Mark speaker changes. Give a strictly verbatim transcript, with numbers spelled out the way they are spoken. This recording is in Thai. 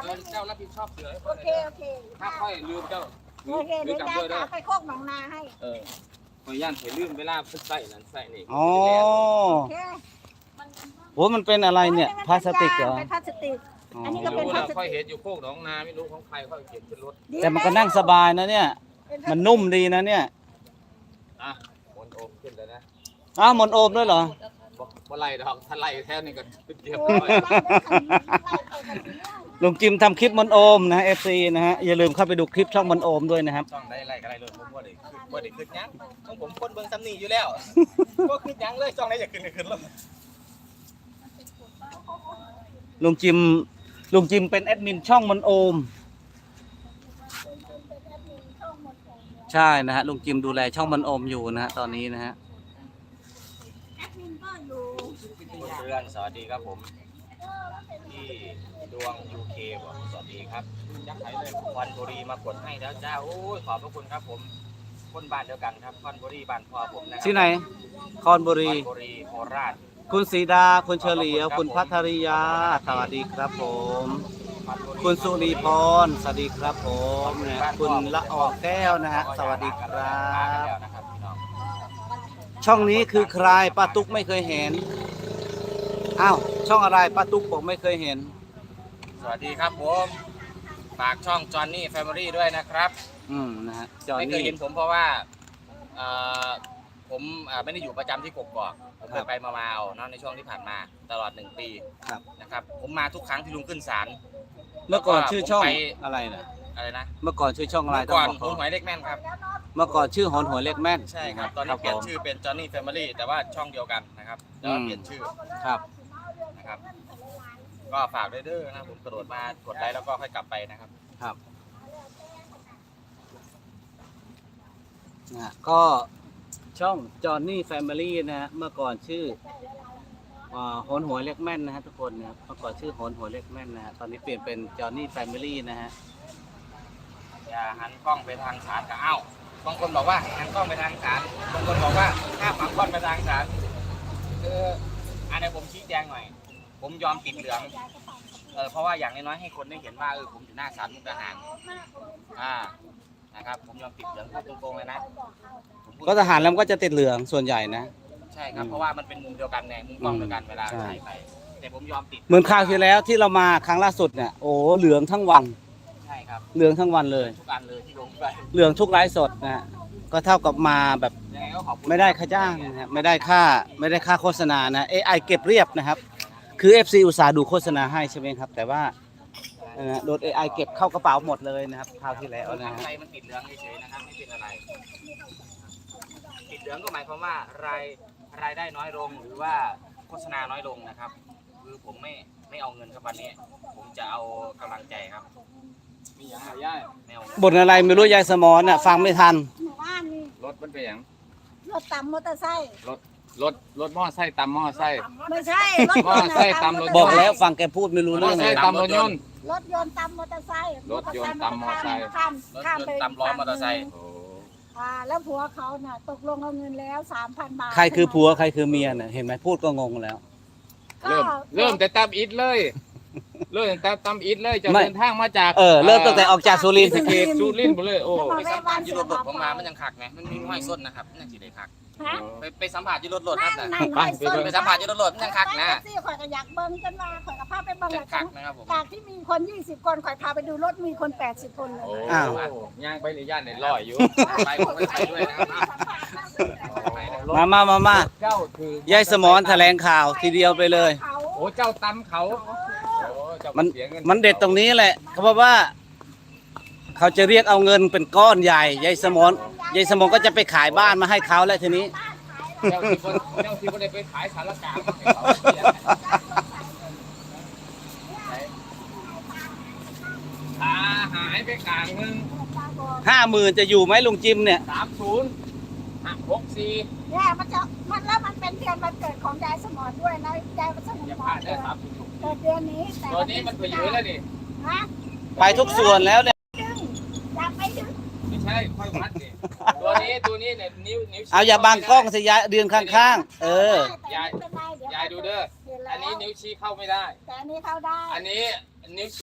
Speaker 1: เจ้ารับผิดชอบเสือ
Speaker 2: โอเคโอเค
Speaker 1: ถ้าค่อยลืมเจ้า
Speaker 2: โอเคเดี๋ยวยายจะไปโคกหนองนาให้
Speaker 1: เออคอยย่านเถลืมเวลาพึ่งใส่นั่นใส่นี่
Speaker 3: อ๋อ
Speaker 2: โอเค
Speaker 3: โหมันเป็นอะไรเนี่ยพลาสติกเหรอ
Speaker 2: เป็นพลาสติก อันนี้ก็
Speaker 1: ไม่
Speaker 2: เป็น
Speaker 1: รู้
Speaker 2: พลา
Speaker 1: เรา
Speaker 2: สติก
Speaker 1: ค่อยเห็นอยู่โคกหนองนาไม่รู้ของใครค่อยเก็บขึ้นรถ
Speaker 3: แต่มันก็นั่งสบายนะเนี่ย มันนุ่มดีนะเนี่ย
Speaker 1: อ่ะหมนโอมขึ้นแล้วนะ
Speaker 3: อ้าวหมอนโอมด้วยเหรอ
Speaker 1: บอกว่าไล่ดอกถ้าไล่แท้นี่ก็เจ็บ
Speaker 2: โอ้
Speaker 1: เลย ย
Speaker 3: ลุงจิมทำคลิปหมอนโอมนะ เอฟ ซี นะฮะอย่าลืมเข้าไปดูคลิปช่องหมอนโอมด้วยนะครับ
Speaker 1: ช่องได้ไล่ก็ไล่รถผมว่าได้ขึ้นว่าได้ขึ้นยังของผมคนเบิ่งซ้ำนี่อยู่แล้วก็ขึ้นยังเลยช่องไหนอยากขึ้นก็ขึ้นรถ
Speaker 3: ลุงจิมลุงจิมเป็นแอดมินช่องหมอนโอม ใช่นะฮะลุงจิมดูแลช่องหมอนโอมอยู่นะฮะตอนนี้นะฮะ
Speaker 2: แอดมินก็อยู่
Speaker 1: เพื่อนสวัสดีครับผมที่ดวง ยู เค บอกสวัสดีครับยักษ์ไทยเลยควันบุรีมากดให้แล้วจ้าโอ้ยขอบพระคุณครับผมคนบ้านเดียวกันครับควันบุรีบ้านพ่อผมนะครั
Speaker 3: ที่ไหนคอนบุ
Speaker 1: ค
Speaker 3: รี
Speaker 1: วันบุรีโคราช
Speaker 3: คุณศรีดาคุณเฉลียวคุณพัทริยาสวัสดีครับผม คุณสุรีพรสวัสดีครับผมนะคุณละออแก้วนะฮะสวัสดีครับ
Speaker 1: นะครับพี่น้อง
Speaker 3: ช่องนี้คือใครป้าตุ๊กไม่เคยเห็นอ้าวช่องอะไรป้าตุ๊กบอกไม่เคยเห็น
Speaker 1: สวัสดีครับผมฝากช่องจอห์นนี่แฟมิลี่ด้วยนะครับ
Speaker 3: อืมนะฮะจอห์น
Speaker 1: ไม่เคย
Speaker 3: นี่
Speaker 1: เห็นผมเพราะว่าเอ่อผมอ่าไม่ได้อยู่ประจำที่กกอกผม
Speaker 3: ครับ
Speaker 1: ไปมาๆเอาเนาะในช่วงที่ผ่านมาตลอดหนึ่งปี
Speaker 3: ครับ
Speaker 1: นะครับผมมาทุกครั้งที่ลุงขึ้นศาล
Speaker 3: เมื่อก่อนชื่อช่อง
Speaker 1: ผมไป
Speaker 3: อะไรนะ
Speaker 1: อะไรนะ
Speaker 3: เมื่อก่อนชื่อช่องอะไร
Speaker 1: เมื่อก่อน
Speaker 3: ต้งบ
Speaker 1: ผมหมายเลขแม่นครับ
Speaker 3: เมื่อก่อนชื่อหอนหัวเล็กแม่น
Speaker 1: ใช่ครับตอนนี้เปลี่ยน
Speaker 3: ผม
Speaker 1: ชื่อเป็นจอห์นนี่แฟมิลี่แต่ว่าช่องเดียวกันนะครับแต่ว่า
Speaker 3: อืม
Speaker 1: เปลี่ยนชื่อ
Speaker 3: ครับ
Speaker 1: นะครับ ก็ฝากด้วยเด้อนะผมกระโดดมากดไลค์แล้วก็ค่อยกลับไปนะครับ
Speaker 3: ครับนะฮะก็ช่องจอห์นนี่แฟมิลี่นะฮะเมื่อก่อนชื่ออ่าโหนหัวเล็กแม่นนะฮะทุกคนนะครับเมื่อก่อนชื่อโหนหัวเล็กแม่นนะฮะตอนนี้เปลี่ยนเป็นจอห์นนี่แฟมิลี่นะฮะ
Speaker 1: อย่าหันกล้องไปทางศาลกับเอ้าบางคนบอกว่าหันกล้องไปทางศาลบางคนบอกว่าห้ามหันกล้องไปทางศาลคืออันนี้ผมชี้แจงหน่อย ผมยอมติดเหลืองเออเพราะว่าอย่างน้อยๆให้คนได้เห็นว่าเออผมอยู่หน้าศาลมุกดาหารอ่านะครับผมยอมติดเหลืองพูดตรงๆเลยนะผมพูด
Speaker 3: ก็ทหารแล้วมันก็จะติดเหลืองส่วนใหญ่นะ
Speaker 1: ใช่ครับเพราะว่ามันเป็นมุมเดียวกันไงมุมกล้องเดียวกันเวลา
Speaker 3: ใช่
Speaker 1: ถ่ายไปแต่ผมยอมติด
Speaker 3: เหมือนคราวที่แล้วที่เรามาครั้งล่าสุดเนี่ยโอ้เหลืองทั้งวัน
Speaker 1: ใช่ครับ
Speaker 3: เหลืองทั้งวันเลย
Speaker 1: ทุกอันเลยที่ลงไป
Speaker 3: เหลืองทุกไลฟ์สดนะฮะก็เท่ากับมาแบบ
Speaker 1: ยังไงก็ขอบคุณ
Speaker 3: ไม่ได้ค่าจ้างนะฮะไม่ได้ค่าไม่ได้ค่าโฆษณานะ เอ ไอ เก็บเรียบนะครับ คือ เอฟ ซี อุตสาห์ดูโฆษณาให้ใช่ไหมครับ แต่ว่าเอ่อโดน เอ ไอ เก็บเข้ากระเป๋าหมดเลยนะครับคราวที่แล้วนะ
Speaker 1: ทาง
Speaker 3: ฮะ
Speaker 1: ไทยมันติดเหลืองเฉยๆนะครับไม่เป็นอะไร ติดเหลืองก็หมายความว่ารายรายได้น้อยลงหรือว่าโฆษณาน้อยลงนะครับ คือผมไม่ไม่เอาเงินครับวันนี้ ผมจะเอากำลังใจครับมีอย่างไรย่ายไม่เอาเงิน
Speaker 3: บทอะไรไม่รู้ยายสมอนน่ะฟังไม่ทัน
Speaker 2: หมู่บ้านนี่
Speaker 1: รถมันเป็นอย่าง
Speaker 2: รถตำมอเตอร์ไซค์
Speaker 1: รถรถรถมอไซค์ตำมอไซค์
Speaker 2: ไม่ใช่รถยนต์
Speaker 1: มอเตอร์ไซค์ตำรถ
Speaker 3: บอกแล้วฟังแกพูดไม่รู้
Speaker 1: มอ
Speaker 3: เรื่อง
Speaker 1: ไซ
Speaker 3: เลย
Speaker 1: ค์ตำรถยนต์
Speaker 2: รถยนต์ตำมอเตอร์ไซค์
Speaker 1: รถยนต์ตำมอเตอร์ไซค์
Speaker 2: ข้าม
Speaker 1: รถ
Speaker 2: ข้าม
Speaker 1: ยน
Speaker 2: ไป
Speaker 1: ต์ตำล้อมอเตอร์ไซค์
Speaker 2: อ่าแล้วผัวเขาน่ะตกลงเอาเงินแล้วสามพันบาท
Speaker 3: ใครคือผัวใครคือเมียน่ะเห็นไหมพูดก็งงแล้ว
Speaker 2: ก็
Speaker 1: เริ่มเริ่มแต่ตำอิดเลย เริ่มแต่ตำอิดเลยจะ
Speaker 3: ไม่
Speaker 1: เดินทางมาจาก
Speaker 3: เออเริ่มตั้งแต่ออกจากสุรินทร์
Speaker 1: ศรีสะเกษสุรินทร์หมดเลยโอ้
Speaker 2: แล้ว
Speaker 1: ไป
Speaker 2: มา
Speaker 1: สั
Speaker 2: แวะ
Speaker 1: มผั
Speaker 2: บ้า
Speaker 1: ส
Speaker 2: น
Speaker 1: อ
Speaker 2: เสื
Speaker 1: ยู่
Speaker 2: อ
Speaker 1: รถรถ
Speaker 2: ดาว
Speaker 1: ผมมามันยังคักไงมันมีห้อยส้นนะครับมันยังสิได้คัก
Speaker 2: ฮะ
Speaker 1: ไปไปสัมผัสอยู่รถรถ
Speaker 2: นั่
Speaker 1: นั่
Speaker 2: ง
Speaker 1: นน่ะ
Speaker 2: นั่ง
Speaker 1: ไป
Speaker 2: ร้อย
Speaker 1: ไป
Speaker 2: ส้น
Speaker 1: ไปสัมผัสอยู่รถรถมันยังคักนะ
Speaker 2: แท็กซี่ข่อยก็อยากเบิ้งกันว่าข่อยกับพาไปเบิ้ง
Speaker 1: ยั
Speaker 2: เลย
Speaker 1: งคักนะครับผม
Speaker 2: จากที่มีคนยี่สิบคนข่อยพาไปดูรถมีคนแปดสิบคนเลย
Speaker 1: โอ้
Speaker 3: อ้าว
Speaker 1: ย่างไปในย่านในลอยอยู่ไปผมไปด้วยนะครับ
Speaker 3: มามามามา
Speaker 1: เจ้าคือย
Speaker 3: ายสมอนแถลงข่าวทีเดียวไปเลย
Speaker 2: เขา
Speaker 1: โอ้เจ้าตำเขาโอ้เจ้า
Speaker 3: มัน
Speaker 1: เสียเงิ
Speaker 3: มันเด็ดตรงนี้แหละเขาบอกว่า เขาจะเรียกเอาเงินเป็นก้อนใหญ่ยายสมอนยายสมอนก็จะไปขายบ้านมาให้เขาแล้วทีนี้
Speaker 1: เจ้าที่คนเจ้าที่คนได้ไปขายสารกลางให้เขาเสียขาหายไปกลางหนึ่ง
Speaker 3: ห้าหมื่นจะอยู่ไหมลุงจิมเนี่ย
Speaker 1: สามศูนย์ห้าหกสี่
Speaker 2: เนี่ยมันจะมันแล้วมันเป็นเดือนวันเกิดของยายสมอนด้วยนะยายสม
Speaker 1: อย่าพ
Speaker 2: อ
Speaker 1: ลาน ดได้สามศูนย์
Speaker 2: เกิดเดือนนี้แต่
Speaker 1: ตัวนี้มันไปอยู่แล้วนี่
Speaker 2: ฮะ
Speaker 3: ไปทุกส่วนแล้วเนี่ย
Speaker 2: ดึงอยากไปดึง
Speaker 1: ไม่ใช่ค่อยวัดดิตัวนี้ตัวนี้เนี่ยนิ้วนิ้วชี้
Speaker 3: เอาอย่าบังกล้องสิยายเดือนข้างๆ เออ
Speaker 1: ยาย
Speaker 2: ไม่เป็นไรเดี๋วย
Speaker 1: ายดูเด้อ
Speaker 2: เห็นแล้ว
Speaker 1: อันนี้นิ้วชี้เข้าไม่ได้
Speaker 2: แต่อันนี้เข้าได้
Speaker 1: อันนี้นิ้ว